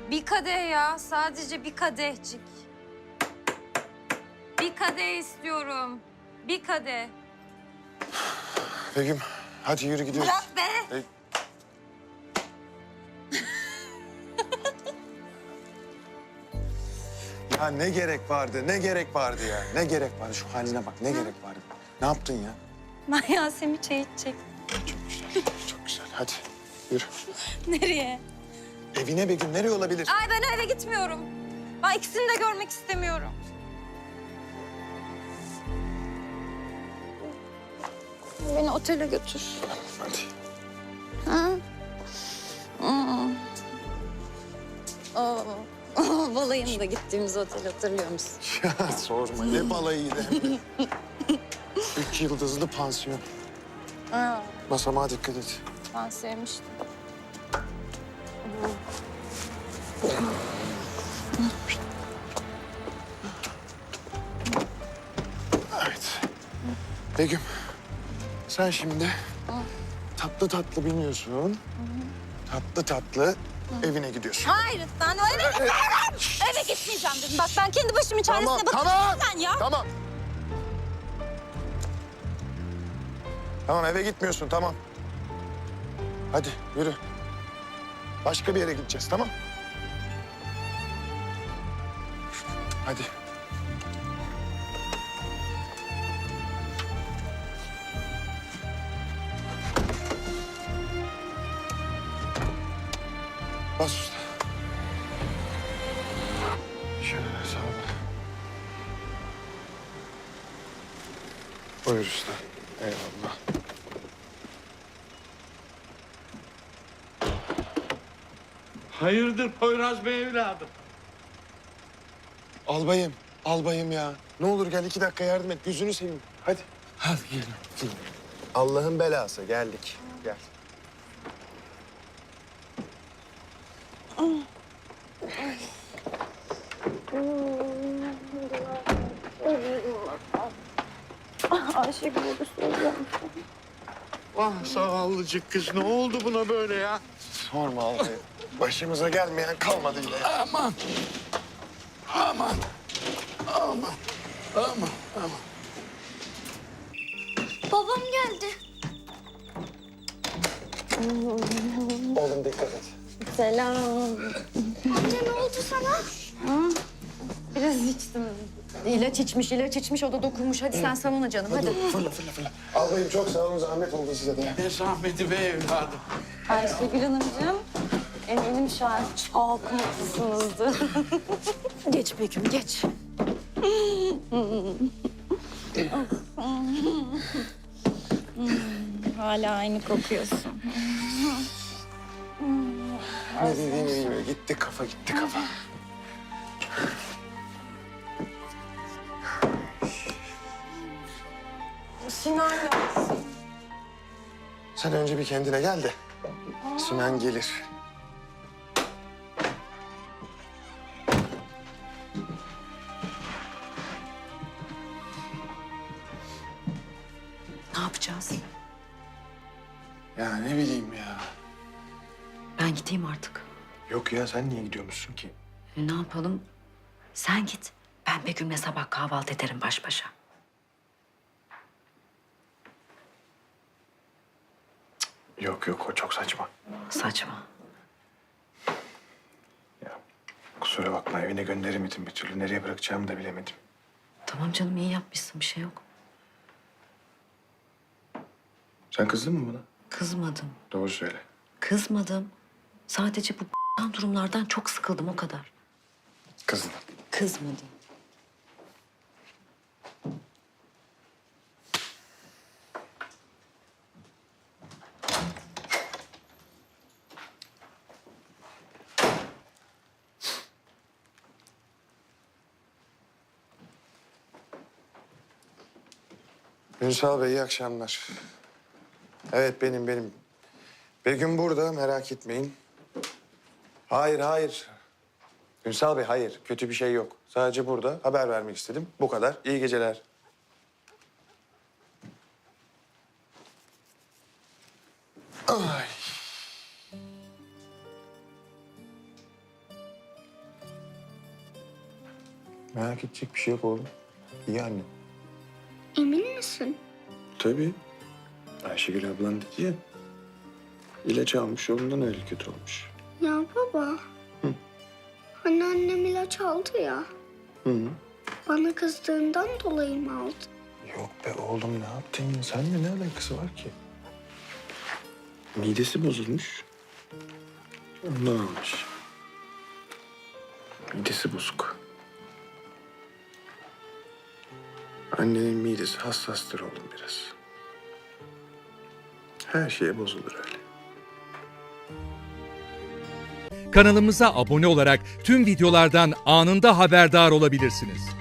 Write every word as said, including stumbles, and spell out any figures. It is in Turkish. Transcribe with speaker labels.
Speaker 1: Bir kadeh ya, sadece bir kadehcik. Bir kadeh istiyorum. Bir kadeh.
Speaker 2: Begüm hadi yürü gidiyoruz.
Speaker 1: Bırak be!
Speaker 2: Be- Ya ne gerek vardı, ne gerek vardı ya? Ne gerek vardı? Şu haline bak, ne gerek vardı? Ne yaptın ya?
Speaker 1: Ben Yasemin çay içecek.
Speaker 2: Çok güzel, çok güzel. Hadi yürü.
Speaker 1: Nereye?
Speaker 2: Evine Begüm, nereye olabilir?
Speaker 1: Ay ben eve gitmiyorum. Ben ikisini de görmek istemiyorum. Beni otele götür.
Speaker 2: Hadi.
Speaker 1: Ha? Aa. Aa. Balayında gittiğimiz otel hatırlıyor musun?
Speaker 2: Ya sorma, ne balayıydı hem de. Üç yıldızlı pansiyon.
Speaker 1: Aa,
Speaker 2: Basamağa dikkat et.
Speaker 1: ben sevmiştim.
Speaker 2: Evet. Begüm, sen şimdi tatlı tatlı biniyorsun. Tatlı tatlı evine gidiyorsun.
Speaker 1: Hayır, ben eve gitmiyorum. Eve gitmeyeceğim dedim. Bak ben kendi başımın çaresine
Speaker 2: Tamam,
Speaker 1: bakıyorum
Speaker 2: tamam.
Speaker 1: sen ya.
Speaker 2: Tamam. Tamam, eve gitmiyorsun, tamam. Hadi yürü. Başka bir yere gideceğiz, tamam? Hadi. Bas usta. Şöyle sağ ol. Buyur usta. Eyvallah.
Speaker 3: Hayırdır Poyraz Bey evladım?
Speaker 2: Albayım, albayım ya. Ne olur gel iki dakika yardım et. Gözünü seveyim. Hadi.
Speaker 3: Hadi gelin.
Speaker 2: Allah'ın belası. Geldik. Gel.
Speaker 1: Ayşegül öyle söylüyorum.
Speaker 3: Vah zavallıcık kız ne oldu buna böyle ya?
Speaker 2: Sorma albayım. Başımıza gelmeyen kalmadı yine. ya.
Speaker 3: Aman. Aman. Aman. Aman. Aman.
Speaker 1: Babam geldi.
Speaker 2: Oğlum dikkat et.
Speaker 1: Selam. Amca ne oldu sana? Biraz içtim.
Speaker 4: İlaç içmiş, ilaç içmiş. O da dokunmuş. Hadi sen salona canım, hadi.
Speaker 2: Fırla fırla fırla. Albayım çok sağ olun. Zahmet oldu size de.
Speaker 3: Ne zahmeti be evladım.
Speaker 1: Ayşegül Hanımcığım, eminim şu an çok mutlusunuzdur.
Speaker 4: Geç Begüm, geç.
Speaker 1: Hala aynı kokuyorsun.
Speaker 2: Ne dediğini bilmiyor. Gitti kafa, gitti kafa.
Speaker 1: Sinan yok.
Speaker 2: Sen önce bir kendine gel de. Sinan gelir.
Speaker 4: Ne yapacağız?
Speaker 2: Ya ne bileyim ya.
Speaker 4: Ben gideyim artık.
Speaker 2: Yok ya sen niye gidiyormuşsun ki?
Speaker 4: E, ne yapalım? Sen git. Ben Begüm'le sabah kahvaltı ederim baş başa.
Speaker 2: Yok yok o çok saçma.
Speaker 4: Saçma.
Speaker 2: Ya kusura bakma evine gönderemedim bir türlü. Nereye bırakacağımı da bilemedim.
Speaker 4: Tamam canım, iyi yapmışsın. Bir şey yok.
Speaker 2: Sen kızdın mı bana?
Speaker 4: Kızmadım.
Speaker 2: Doğru söyle.
Speaker 4: Kızmadım. Sadece bu durumlardan çok sıkıldım, o kadar.
Speaker 2: Kızdın.
Speaker 4: Kızmadım.
Speaker 2: Ünsal Bey iyi akşamlar. Evet benim benim. Begüm burada merak etmeyin. Hayır hayır. Ünsal Bey hayır kötü bir şey yok. Sadece burada haber vermek istedim. Bu kadar. İyi geceler. Ay. Merak edecek bir şey yok oğlum. İyi anne.
Speaker 5: Emin misin?
Speaker 2: Tabii. Ayşegül ablan dedi ya. İlaç almış, ondan öyle kötü olmuş.
Speaker 5: Ya baba.
Speaker 2: Hı.
Speaker 5: Hani annem ilaç aldı ya.
Speaker 2: Hı hı.
Speaker 5: Bana kızdığından dolayı mı aldı?
Speaker 2: Yok be oğlum, ne yaptın ya? Seninle ne alakası var ki? Midesi bozulmuş. Ondan almış. Midesi bozuk. Annenin midesi hassastır oğlum biraz. Her şeye bozulur öyle.
Speaker 6: Kanalımıza abone olarak tüm videolardan anında haberdar olabilirsiniz.